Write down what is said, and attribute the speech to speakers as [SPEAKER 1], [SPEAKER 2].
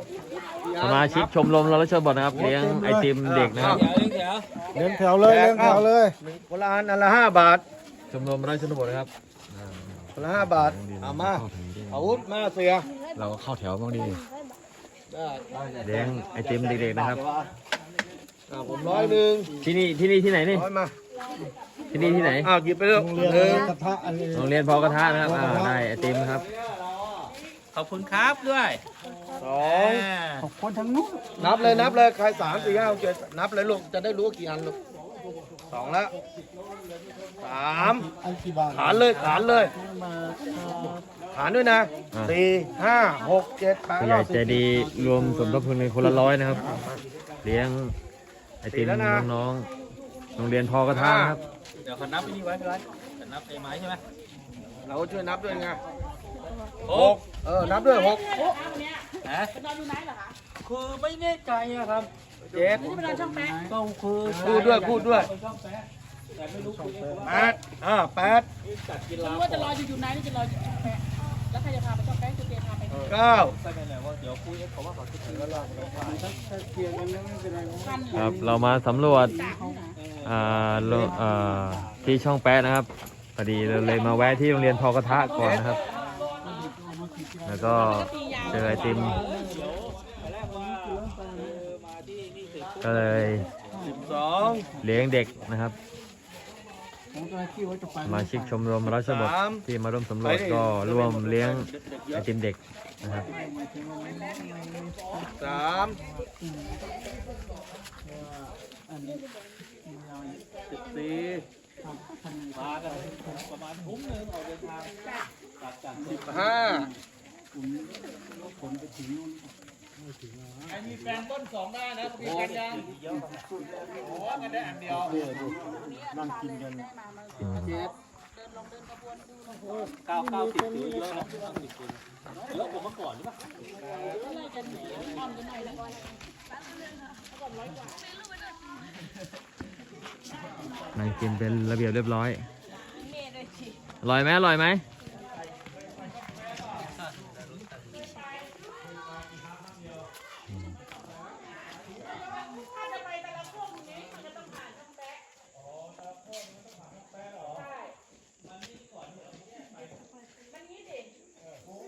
[SPEAKER 1] สมาชิกชมรมเราชนบทนะครับเลี้ยงไอติมเด็กนะครับ
[SPEAKER 2] เลี้ยงแถวเลยเลี้ยงแถวเลย
[SPEAKER 3] คนละอันละ5 บาท
[SPEAKER 1] ชมรมเราชนบทนะครับ
[SPEAKER 3] คนละ5 บาทเอามาอาวุธมาเสีย
[SPEAKER 1] เราก็เข้าแถวบ้างดี
[SPEAKER 3] ได้
[SPEAKER 1] เลี้ยงไอติมเด็กๆนะครับ
[SPEAKER 3] ผม100
[SPEAKER 1] ที่นี่ที่ไหนนี่
[SPEAKER 3] 100มา
[SPEAKER 1] ที่นี่ที่ไหน
[SPEAKER 3] หยิบไปเลย
[SPEAKER 2] โรงเรียน
[SPEAKER 3] หนึ่ง
[SPEAKER 2] กระทะอันนี้
[SPEAKER 1] โรงเรียนพอกระทะนะครับได้ไอติมครับ
[SPEAKER 4] ขอบคุณครับด้วย
[SPEAKER 3] สอง
[SPEAKER 2] ขอบคนทั้งนู้น
[SPEAKER 3] นับเลยใคร3 4 5 6 7นับเลยลูกจะได้รู้ว่ากี่อันลูก2แล้ว3
[SPEAKER 2] อันกี่บาท
[SPEAKER 3] ขานเลยขานด้วยนะ4 5 6 7 8
[SPEAKER 1] ผู้ใหญ่ใจดีรวมสมทบทุนในคนละ100นะครับ เลี้ยงไอติมน้องๆโรงเรียนพอกระทะนะครับ
[SPEAKER 4] เดี๋ยวขอนับไปนี่ไว้พี่ไรจะนับไอ้ไม้ใช่ไหม
[SPEAKER 3] เราช่วยนับด้วยไง6นับด้วย6
[SPEAKER 4] ฮะคือไม่แน่ใจอะครับ
[SPEAKER 3] 7
[SPEAKER 4] ก็คือ
[SPEAKER 3] พูดด้วย
[SPEAKER 4] ช่องแป๊ะแต่ไม่รู้คุย
[SPEAKER 3] 8
[SPEAKER 5] รู้ว่าจะรออยู่ไหนนี่จะรออยู่ช่องแปะแล้วใครจะพาไปช่องแปะคือเจพาไป
[SPEAKER 3] 9
[SPEAKER 4] ใช่ไหมเนี่ยว่าเดี๋ยวคุยเขาว่าเขาจะถึงแล้วเรา
[SPEAKER 1] ครับเรามาสำรวจที่ช่องแป๊ะนะครับพอดีเราเลยมาแวะที่โรงเรียนพอกระทะก่อนนะครับ แล้วก็เจอไอติมก็เลยเลี้ยงเด็กนะครับสมาชิกชมรมราชบุตรที่มาร่วมสำรวจก็ร่วมเลี้ยงไอติมเด็กนะครับ
[SPEAKER 3] 3
[SPEAKER 4] มากันประมาณทุ่มหนึ่งออกเดินทางจาก
[SPEAKER 3] 15
[SPEAKER 4] มีแฟนต้น2ได้นะมีกันยังโอ้กันได้อันเดียว
[SPEAKER 2] นั่งกินกัน
[SPEAKER 4] 90ถือเยอะนะ90คนเยอะกว่าเมื่อก่อนหรือเปล่า
[SPEAKER 1] นั่งกินเป็นระเบียบเรียบร้อยอร่อยไหม